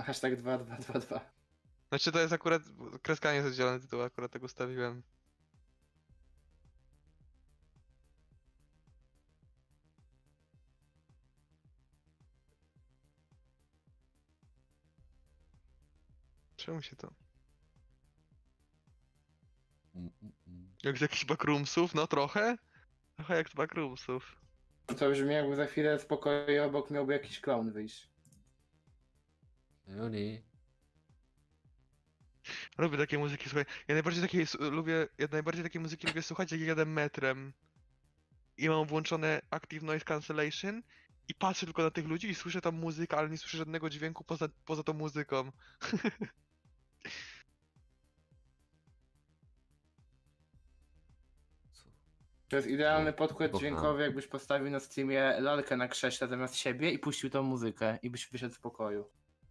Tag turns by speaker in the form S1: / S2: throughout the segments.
S1: Hashtag 2222.
S2: Znaczy to jest akurat, kreska nie jest oddzielony tytuł, akurat tak ustawiłem. Czemu się to? Jak z jakichś backroomsów? No trochę? Trochę jak z backroomsów.
S1: To brzmi jakby za chwilę z pokoju obok miałby jakiś clown wyjść.
S3: Juni.
S2: Lubię takie muzyki, słuchaj. Ja najbardziej takiej muzyki lubię słuchać, jak jadę metrem. I mam włączone Active Noise Cancellation. I patrzę tylko na tych ludzi i słyszę tam muzykę, ale nie słyszę żadnego dźwięku poza tą muzyką.
S3: Co?
S1: To jest idealny podkład
S3: Kocham.
S1: dźwiękowy, jakbyś postawił na Steamie lalkę na krześle zamiast siebie i puścił tą muzykę i byś wyszedł z pokoju.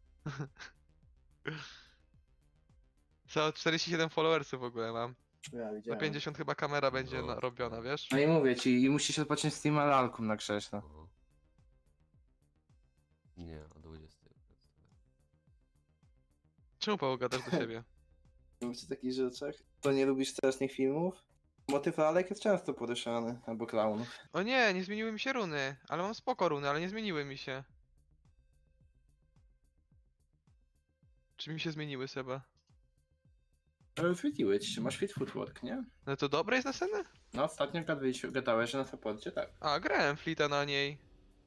S2: Co, 47 followersów w ogóle mam.
S1: Ja
S2: Na
S1: widziałem.
S2: 50 chyba kamera będzie
S3: No.
S2: robiona, wiesz?
S1: No i mówię ci, i musisz odpocząć Steama lalką na krześle.
S3: O. Nie, o 20.
S2: Czemu Paweł gadasz do siebie?
S1: Mówisz o takich rzeczach? To nie lubisz strasznych filmów? Motyw lalek jest często poruszany, albo klaunów.
S2: O nie, nie zmieniły mi się runy. Ale mam spoko runy, ale nie zmieniły mi się. Czy mi się zmieniły, Seba?
S1: Ale świeciły ci się, masz fit footwork, nie?
S2: No to dobre jest na scenę?
S1: No ostatnio gadałeś, że na supporcie tak.
S2: A, grałem flita na niej.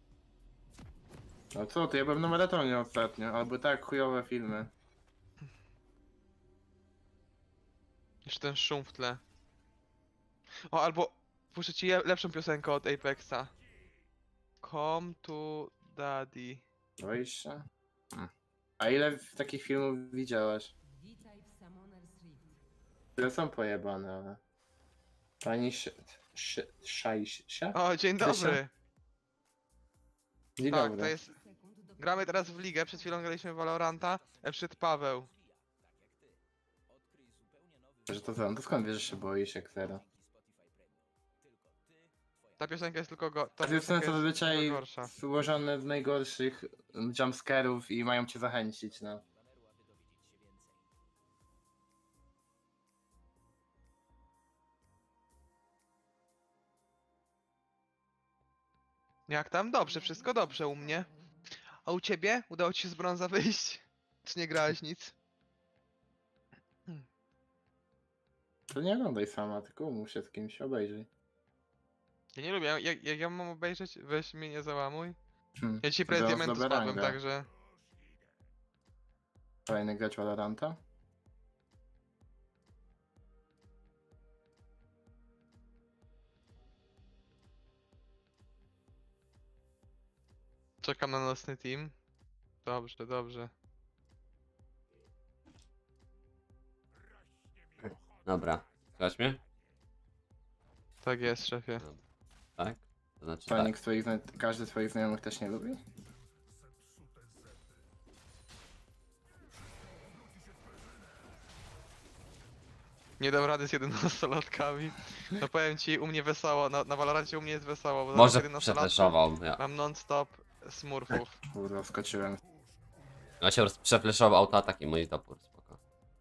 S1: No co ty, ja byłem na maratonie ostatnio, albo tak chujowe filmy.
S2: Jeszcze ten szum w tle. O, albo puszczę ci lepszą piosenkę od Apexa. Come to Daddy.
S1: Boisz się? A ile takich filmów widziałaś?
S4: Witaj w Summoner's Rift.
S1: Które są pojebane, ale... Pani Szajsia?
S2: O, dzień
S1: Krysia?
S2: dobry.
S1: Dzień
S2: Tak,
S1: dobry.
S2: to jest...
S4: Sekund do
S2: Gramy teraz w ligę, przed chwilą graliśmy w Valoranta. Przyszedł Paweł.
S1: Że to co? To skąd wiesz, że się boisz jak zero?
S2: Ta piosenka jest tylko go... Ta
S1: Te filmy
S2: piosenka
S1: są
S2: jest
S1: zazwyczaj
S2: tylko gorsza.
S1: złożone z najgorszych jumpscarów i mają cię zachęcić, no.
S2: Jak tam? Dobrze, wszystko dobrze u mnie. A u ciebie? Udało ci się z brąza wyjść? Czy nie grałeś nic?
S1: To nie oglądaj sama, tylko umów się z kimś, obejrzyj.
S2: Ja nie lubię, jak ja mam obejrzeć, weź mnie nie załamuj.
S1: Hmm.
S2: Ja dzisiaj prawie z
S1: Biorąc
S2: diamentu
S1: dobra
S2: spadłem,
S1: ranga.
S2: także...
S1: Kolejny grać Valoranta?
S2: Czekam na nocny team. Dobrze, dobrze.
S3: Dobra. Słychać mnie?
S2: Tak jest, szefie.
S3: Tak? To znaczy
S1: To
S3: tak.
S1: nikt swoich, każdy z twoich znajomych też nie lubi?
S2: Nie dam rady z 11-latkami. No powiem ci, u mnie wesoło, na Valorancie u mnie jest wesoło, bo
S3: Może
S2: zamiast 11-latków
S3: przefleszował. Ja.
S2: mam non-stop smurfów.
S1: Kurwa, wskoczyłem.
S3: No się przefleszował autoatak i mój topór. Spoko.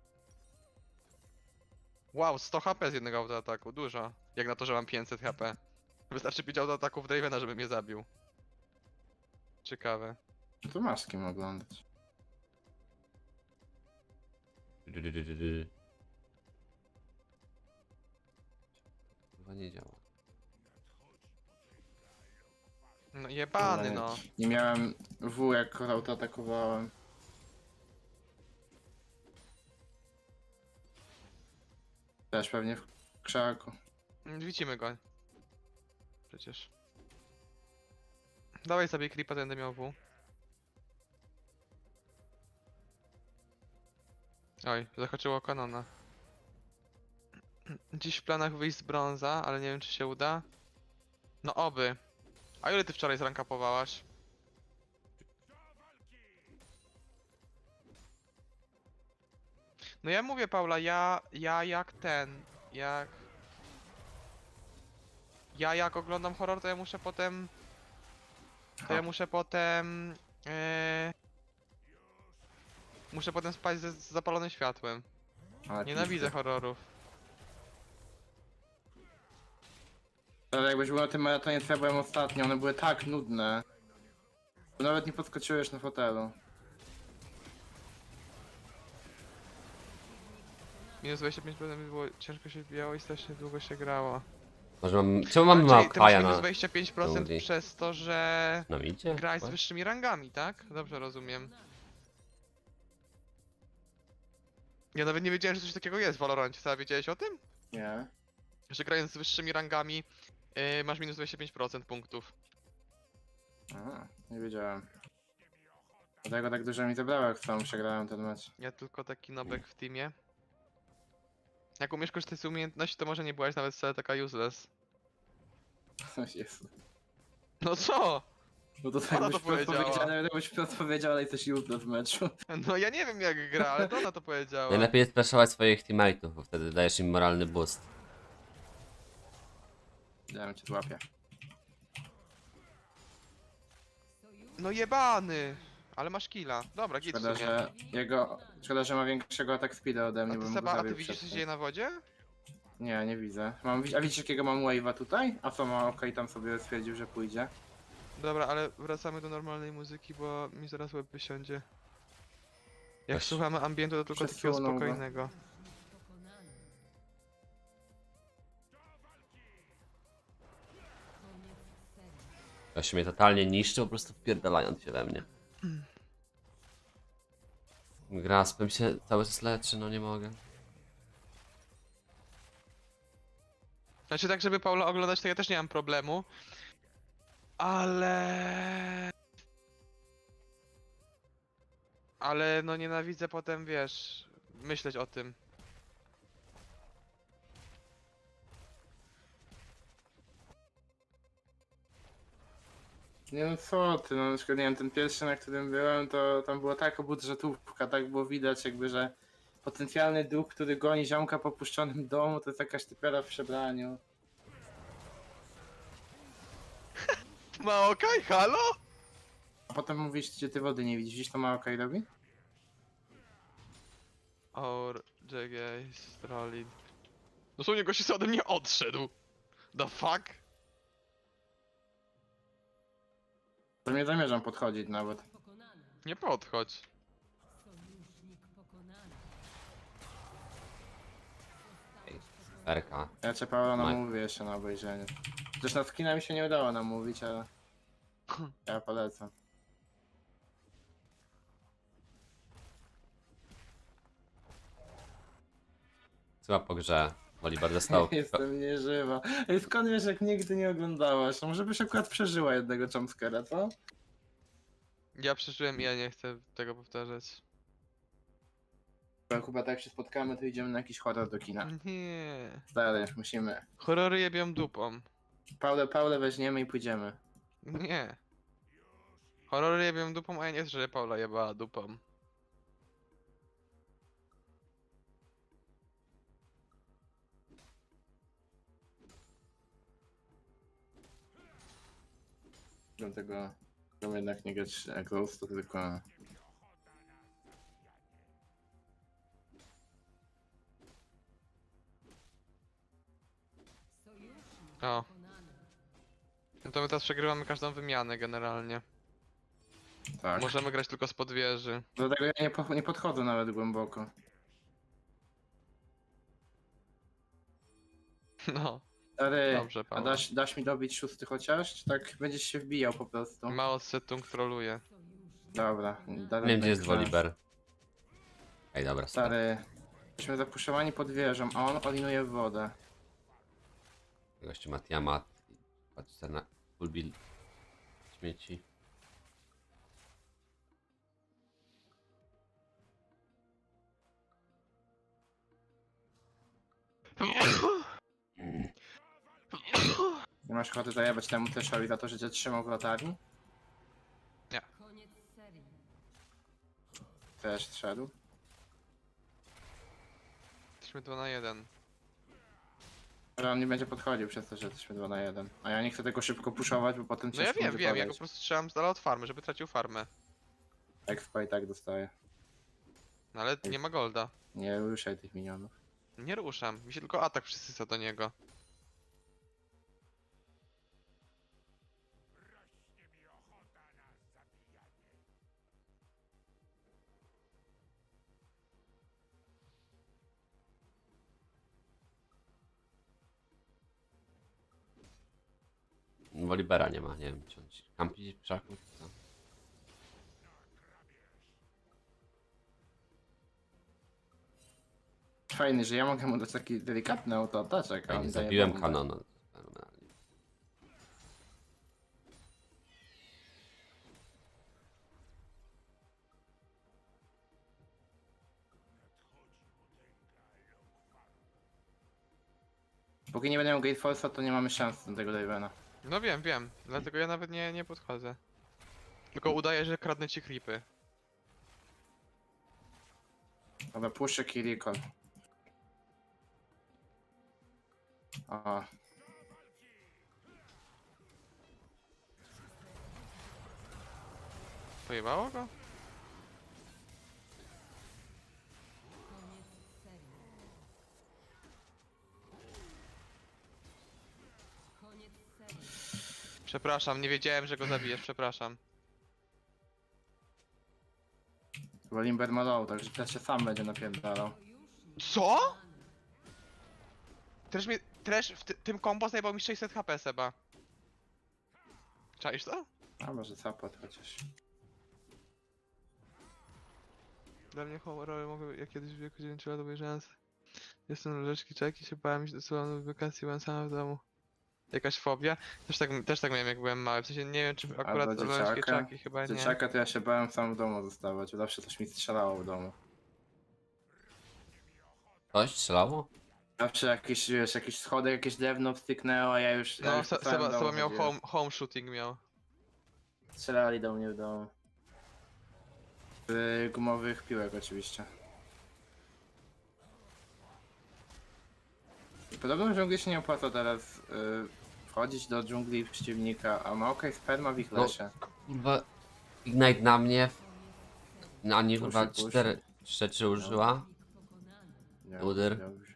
S2: Wow, 100 HP z jednego autoataku, dużo. Jak na to, że mam 500 HP. Wystarczy 5 autoataków Dravena, żeby mnie zabił. Ciekawe.
S1: No to masz z kim oglądać.
S3: Chyba nie działa.
S2: No jebany no.
S1: Nie miałem W jak auto atakowałem. Też pewnie w krzaku.
S2: Widzimy go. Przecież. Dawaj sobie creepa, będę miał W. Oj, zahaczyło kanona. Dziś w planach wyjść z brąza, ale nie wiem czy się uda. No oby. A ile ty wczoraj zrankapowałaś? No ja mówię Paula, ja jak ten, jak oglądam horror, to ja muszę potem, Muszę potem spać z zapalonym światłem.
S1: Ale
S2: Nienawidzę
S1: pizdy.
S2: horrorów.
S1: Ale jakbyś był na tym maratonie, co ja byłem ostatnio, one były tak nudne. Że nawet nie podskoczyłeś na fotelu.
S2: Minus 25% było ciężko się wbijało i strasznie długo się grało.
S3: Może mam... Czemu mamy
S2: Czyli ty masz
S3: Maokaja
S2: minus
S3: na...
S2: 25%
S3: dżungli?
S2: przez to, że
S3: Na midzie?
S2: grałeś z wyższymi rangami, tak? Dobrze rozumiem. Ja nawet nie wiedziałem, że coś takiego jest w Valorancie. Co, wiedziałeś o tym?
S1: Nie.
S2: Że grając z wyższymi rangami masz minus 25% punktów.
S1: Aha, nie wiedziałem. Dlatego tak dużo mi zabrało, jak sam przegrałem ten mecz.
S2: Ja tylko taki nobek w teamie. Jak umiesz korzystać z umiejętności, to może nie byłaś nawet wcale taka useless.
S1: Jezu.
S2: No co?
S1: No to tak
S2: Ona
S1: byś
S2: to powiedziała.
S1: jakbyś powiedział, ale jesteś jutro w meczu.
S2: No ja nie wiem jak gra, ale to ona to powiedziała.
S3: Najlepiej jest flashować swoich teammateów, bo wtedy dajesz im moralny boost.
S1: Dałem cię złapię.
S2: No jebany! Ale masz killa. Dobra, git w
S1: Szkoda,
S2: sumie.
S1: że jego... Szkoda, że ma większego atak speeda ode
S2: A
S1: mnie,
S2: ty
S1: bym go
S2: Seba, a ty
S1: zabił
S2: widzisz co się
S1: przedtem.
S2: dzieje na wodzie?
S1: Nie, nie widzę. A widzisz jakiego mam wave'a tutaj? A co ma okej, tam sobie stwierdził, że pójdzie.
S2: Dobra, ale wracamy do normalnej muzyki, bo mi zaraz łeb wysiądzie. Jak
S3: Weź.
S2: słuchamy ambientu, to tylko takiego
S1: Przesunął go.
S2: spokojnego.
S4: Pokonany. Koniec serii.
S3: Ktoś mnie totalnie niszczy, po prostu wpierdalając się we mnie. Graspem się cały czas leczy, no nie mogę.
S2: Znaczy tak, żeby Paula oglądać, to ja też nie mam problemu. Ale... Ale no nienawidzę potem, wiesz, myśleć o tym.
S1: Nie no co ty, no na przykład nie wiem, ten pierwszy, na którym byłem, to tam była taka budżetówka, tak było widać jakby, że potencjalny duch, który goni ziomka po puszczonym domu, to jest jakaś typiara w przebraniu.
S2: Maokaj, halo?
S1: A potem mówisz, gdzie ty wody nie widzisz, widzisz to Maokai robi?
S2: Or, JG, Strolin. Dosłownie gości sobie ode mnie odszedł. The fuck?
S1: To nie zamierzam podchodzić nawet.
S4: Pokonany.
S2: Nie podchodź.
S4: Sojusznik pokonany.
S3: Perka.
S1: Ja cię Paula
S3: No.
S1: namówię jeszcze na obejrzenie. Chociaż na skina mi się nie udało namówić, ale ja polecam.
S3: Chyba po grze. Wolibar dostał...
S1: Jestem nieżywa. Ej, skąd wiesz, jak nigdy nie oglądałaś? No może byś akurat przeżyła jednego jumpscare'a, co?
S2: Ja przeżyłem i ja nie chcę tego powtarzać.
S1: Chyba tak jak się spotkamy, to idziemy na jakiś horror do kina.
S2: Nie.
S1: Stary, musimy.
S2: Horrory jebią dupą.
S1: Paulę weźmiemy i pójdziemy.
S2: Nie. Horrory jebią dupą, a ja nie chcę, żeby Paula jebała dupą.
S1: Dlatego jednak nie grać Ghost, to tylko...
S4: Sojusznik
S2: O.
S4: pokonany.
S2: No to my teraz przegrywamy każdą wymianę generalnie.
S1: Tak.
S2: Możemy grać tylko spod wieży.
S1: Dlatego ja nie podchodzę nawet głęboko.
S2: No,
S1: Stary,
S2: dobrze
S1: a
S2: Paula.
S1: dasz mi dobić 6 chociaż? Czy tak będziesz się wbijał po prostu?
S2: Mao Setung troluje.
S4: Sojusznik
S1: Dobra.
S3: Nie wiem gdzie jest Woliber. Ej, dobra, super.
S1: Stary, jesteśmy zapuszczowani pod wieżą, a on olinuje w wodę.
S3: Gościu ma Tiamat. Patrzcie na full build śmieci.
S1: Nie masz ochoty zajebać temu Teszowi za to, że cię trzymał w latarni?
S4: koniec serii.
S1: Też szedł.
S2: Jesteśmy 2 na 1.
S1: Ale on nie będzie podchodził przez to, że jesteśmy 2 na 1. A ja nie chcę tego szybko puszować, bo potem
S2: No ja
S1: ciężko
S2: wiem,
S1: będzie
S2: ja go po
S1: podejść.
S2: prostu strzelam z dala od farmy, żeby tracił farmę.
S1: Expa i tak dostaje.
S2: No ale nie ma golda.
S1: Nie ruszaj tych minionów.
S2: Nie ruszam, mi się tylko atak przysysa do niego.
S3: Wolibera nie ma, nie wiem, czy on ci kampi w krzaku, czy co?
S1: Fajny, że ja mogę mu dać taki delikatny autoataczek, a
S3: Ja
S1: on
S3: nie
S1: daje
S3: zabiłem
S1: bombę.
S3: kanona. Fenomenalnie.
S1: Póki nie będę miał Gate Force'a, to nie mamy szans na tego Ravena.
S2: No wiem, dlatego ja nawet nie podchodzę. Tylko udaję, że kradnę ci creepy.
S1: Dobra, puszczę Kiriko. O,
S2: Pojebało go?
S4: Koniec serii. Koniec serii.
S2: Przepraszam, nie wiedziałem, że go zabijesz, przepraszam.
S1: bo Limber ma low, także teraz się sam będzie napierdalał.
S4: Sojusznik
S2: Co?
S4: pokonany.
S2: Trash w tym combo zajebał mi 600 HP, Seba. Czaisz to?
S1: A może support chociaż.
S2: Dla mnie horrory mogły, jak kiedyś w wieku 9 lat obejrzałem. Jestem leżeczki czeki, się bałem iść do salonu w wakacji, byłem sam w domu. Jakaś fobia? Też tak miałem jak byłem mały, w sensie nie wiem czy akurat
S1: do
S2: leżeczki
S1: dzieciaka?
S2: czeki, chyba nie.
S1: Dzieciaka to ja się bałem sam w domu zostawać, zawsze coś mi strzelało w domu.
S3: Coś strzelało?
S1: Zawsze jakieś, wiesz, jakieś schody, jakieś drewno wstyknęło, a ja już... ja
S2: No,
S1: już po całym
S2: Seba
S1: domu
S2: miał
S1: chodziłem.
S2: home shooting miał.
S1: Strzelali do mnie w domu. Z gumowych piłek oczywiście. Podobno w dżungli się nie opłaca teraz wchodzić do dżungli przeciwnika, a ma okej sperma w ich
S3: No.
S1: lesie.
S3: Kurwa, Ignite na mnie. Na nie chyba
S1: Puszy.
S3: 4 rzeczy użyła.
S4: Sojusznik pokonany.
S1: Nie,
S3: Udyr.
S1: dobrze.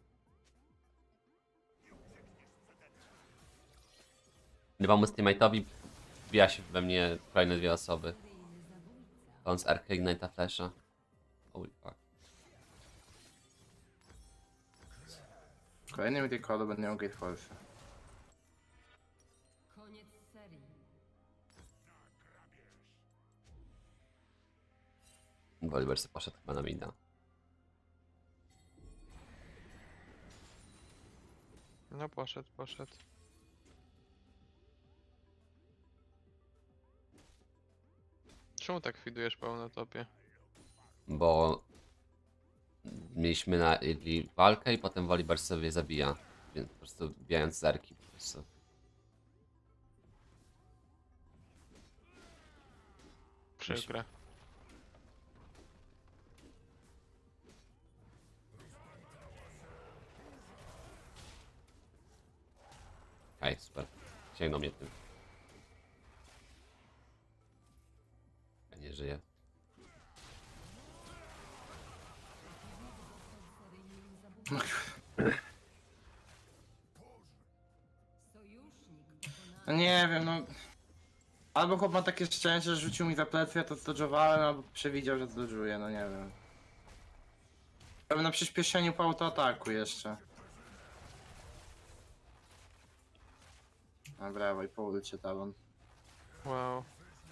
S3: Chyba mu teammate'owi wbija się we mnie kolejne dwie osoby.
S4: Seryjny zabójca.
S3: On z Arca Ignite'a Flasha. Holy fuck.
S1: W kolejnym recallu będę miał Gate Force.
S4: Koniec serii.
S3: Woliber sobie poszedł chyba na mida.
S2: No poszedł. Czemu tak widujesz pełno topie?
S3: Bo mieliśmy na Idli walkę i potem Woliber sobie zabija. Więc po prostu wbijając z Arki po prostu.
S2: Przykre.
S3: Aj, super. Sięgnął mnie tym. Ja nie żyję.
S4: Seryjnym zabójcą. Sojusznik
S1: No
S4: pokonany.
S1: nie wiem, no... Albo chłop ma takie szczęście, że rzucił mi za plecy, ja to zdodżowałem, albo przewidział, że zdodżuję, no nie wiem. Byłem na przyspieszeniu po autoataku jeszcze. A brawo, i po ulicy talon.
S2: Wow.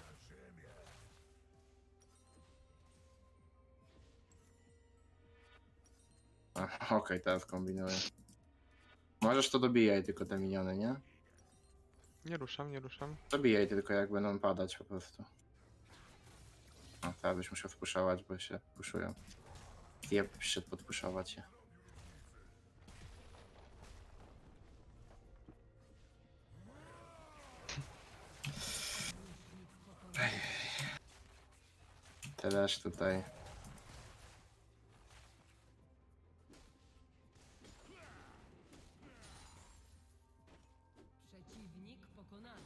S1: Okej, teraz kombinuję. Możesz to dobijaj tylko te miniony, nie?
S2: Nie ruszam.
S1: Dobijaj tylko jak będą padać po prostu. No teraz byś musiał spuszować, bo się puszują. Ja przyszedł podpuszować je. Teraz tutaj.
S4: Przeciwnik pokonany.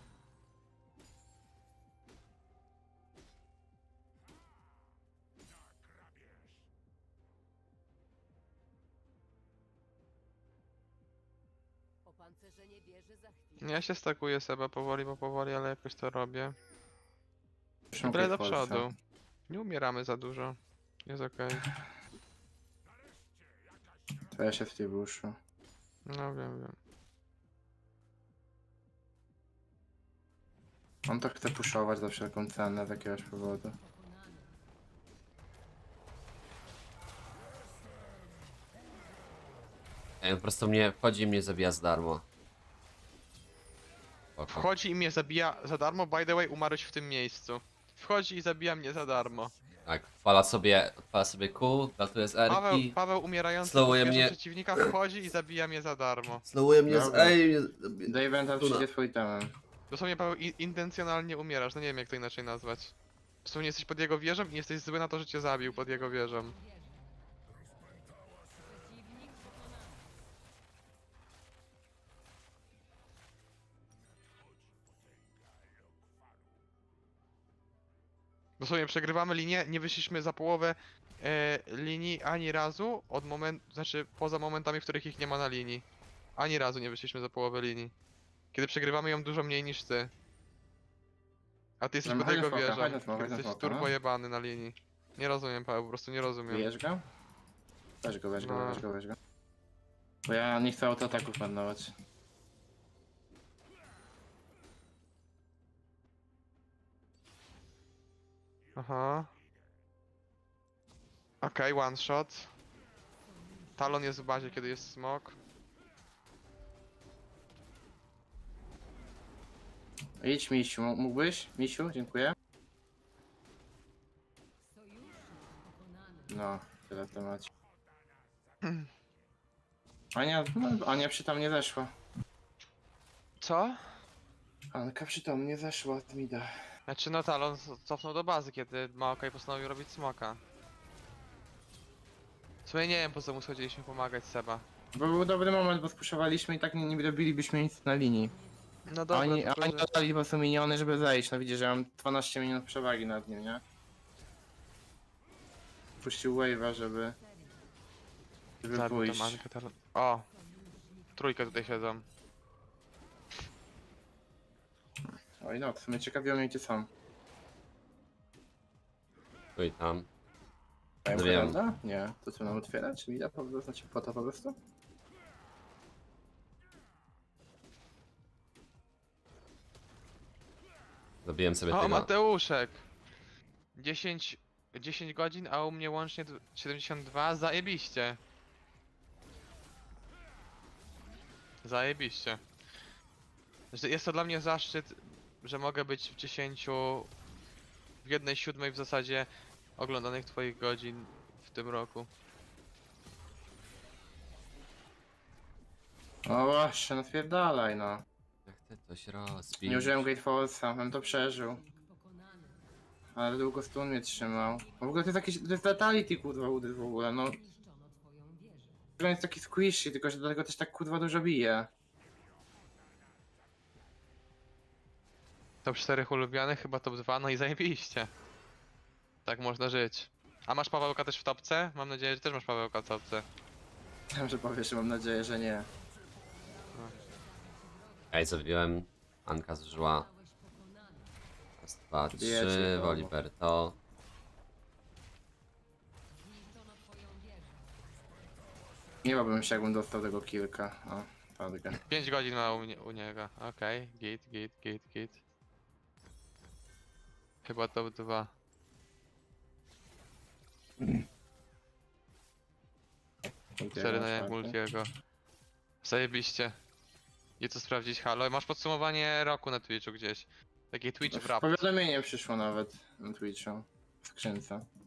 S5: Opancerzenie wieży za chwilę.
S2: Ja się stakuję Seba powoli, ale jakoś to robię.
S1: Już mam
S2: Tyle do
S1: Polsce.
S2: przodu. Nie umieramy za dużo. Jest okej.
S1: To ja się w tej buszu.
S2: No wiem.
S1: On to chce puszować za wszelką cenę z jakiegoś powodu.
S4: Pokonany.
S3: Ej, po prostu mnie wchodzi i mnie zabija za darmo. Spoko.
S2: Wchodzi i mnie zabija za darmo, by the way umarłeś w tym miejscu. Wchodzi i zabija mnie za darmo.
S3: Tak, odpala sobie Q, latuje z Erki.
S2: Paweł umierający
S3: slowuje
S2: pod wieżą
S3: mnie.
S2: przeciwnika wchodzi i zabija mnie za darmo.
S3: Slowuje mnie z
S1: Dobra.
S3: Ej.
S1: Daventa
S3: Tuna.
S1: przyjdzie twój temem.
S2: Dosłownie Paweł intencjonalnie umierasz, no nie wiem jak to inaczej nazwać. Dosłownie jesteś pod jego wieżą i jesteś zły na to, że cię zabił pod jego wieżą.
S4: Przeciwnik pokonany.
S2: Dosłownie przegrywamy linię, nie wyszliśmy za połowę linii ani razu od momentu, znaczy poza momentami, w których ich nie ma na linii. Ani razu nie wyszliśmy za połowę linii. Kiedy przegrywamy ją dużo mniej niż ty. A ty jesteś
S1: No,
S2: pod
S1: chodź
S2: jego
S1: na smoka,
S2: wieżą.
S1: chodź na smoka,
S2: Ty
S1: chodź na
S2: jesteś
S1: smoka, no.
S2: turbo jebany na linii. Nie rozumiem Paweł, po prostu nie rozumiem.
S1: Bijesz go? Weź go, weź go,
S2: No.
S1: weź go, weź go. Bo ja nie chcę autoataków marnować.
S2: Aha. Okej, one shot. Talon jest w bazie, kiedy jest smok.
S1: Idź Misiu, mógłbyś? Misiu, dziękuję.
S4: Sojusznik pokonany.
S1: No, tyle w temacie. Ania, no, Ania przytomnie zeszła.
S2: Co?
S1: Anka przytomnie zeszła od mida.
S2: Znaczy no Talon cofnął do bazy, kiedy Maokai postanowił robić smoka. W sumie nie wiem po co mu schodziliśmy pomagać Seba.
S1: Bo był dobry moment, bo spuszowaliśmy i tak nie robilibyśmy nic na linii.
S2: No dobra,
S1: Oni
S2: tylko, że-
S1: dodali po prostu miniony, żeby zejść. No widzisz, że mam 12 minut przewagi nad nim, nie? Puścił wave'a, żeby
S2: Zabił
S1: pójść.
S2: tam Ankę Talon. O! Trójkę tutaj siedzą.
S1: Oj no, w sumie ciekawiło mnie gdzie są.
S3: Tu i tam.
S1: Mają
S3: No wiem.
S1: Heralda? Nie. To co nam otwierać? Mida po prostu? Znaczy po to po prostu?
S3: Zabiłem sobie
S2: O,
S3: tego.
S2: Mateuszek! 10 godzin, a u mnie łącznie 72, zajebiście. Zajebiście. Jest to dla mnie zaszczyt, że mogę być w 10, w 1/7 w zasadzie oglądanych twoich godzin w tym roku.
S1: No właśnie, no spierdalaj no.
S3: Jak ty coś rozbić?
S1: Nie użyłem Gate Force'a, bym to przeżył.
S4: Przeciwnik pokonany.
S1: Ale długo stun mnie trzymał. No w ogóle to jest jakiś, to jest Fatality kurwa udy w ogóle, no.
S4: Zniszczono twoją wieżę.
S1: On jest taki squishy, tylko że dlatego też tak kurwa dużo bije.
S2: Top 4 ulubianych, chyba top 2, no i zajebiście. Tak można żyć. A masz Pawełka też w topce? Mam nadzieję, że też masz Pawełka w topce.
S1: Wiem, że powiesz, że mam nadzieję, że nie.
S3: Ej, zabiłem. Anka zużyła.
S4: Zostałeś pokonany.
S3: Raz, dwa,
S1: Wiecie,
S3: trzy.
S1: to-
S3: Woliber to.
S4: Zniszczono twoją wieżę.
S1: Nie bałbym się, jakbym dostał tego kilka. O, padkę.
S2: 5 godzin ma u niego. Okej, git. Chyba top 2. Cztery na multiego. Zajebiście. I co sprawdzić, halo? Masz podsumowanie roku na Twitchu gdzieś. Taki Twitch wrap.
S1: Powiadomienie przyszło nawet na Twitchu. W skrzynce.